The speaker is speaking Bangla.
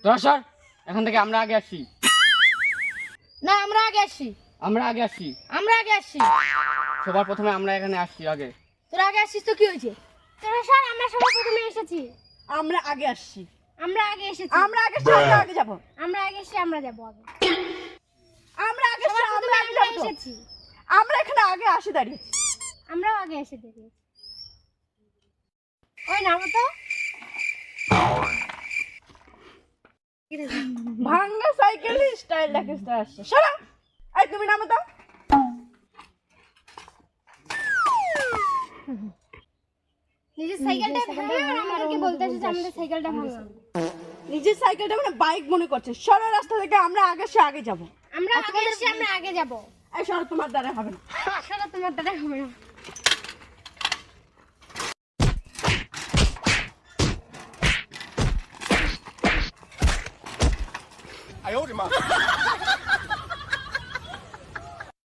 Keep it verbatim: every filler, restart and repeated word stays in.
তোরা সর এখান থেকে, আমরা আগে আসি। না আমরা আগে আসি। আমরা আগে আসি। আমরা আগে আসি। সবার প্রথমে আমরা এখানে আসছি আগে। তোরা আগে আসছিস তো কি হয়েছে? তোরা স্যার আমরা সবার প্রথমে এসেছি। আমরা আগে আসছি। আমরা আগে এসেছি। আমরা আগে আসছি, আমরা আগে যাব। আমরা আগে এসে আমরা যাব আগে। আমরা আগে আসছি, সবার আমরা প্রথমে আগে আমরা যাব। এসেছি। আমরা এখানে আগে আসি দাঁড়িয়েছি। আমরাও আগে এসে দেখি। ওই নামো তো। ভাঙ্গা সাইকেল স্টাইল দেখে আসছে। সরা, এই তুমি নামো তো। নিজের সাইকেলটা ভাঙা আর আমাদেরকে বলতে এসেছে আমাদের সাইকেলটা ভাঙা। নিজের সাইকেলটা মানে বাইক মনে করছে। সরা রাস্তা থেকে, আমরা আগে এসে আগে যাব। আমরা আগে এসে আমরা আগে যাব। এই সরা, তোমার দ্বারা হবে না। আসলে তোমার দাদা হবে না। 哎呦我的妈！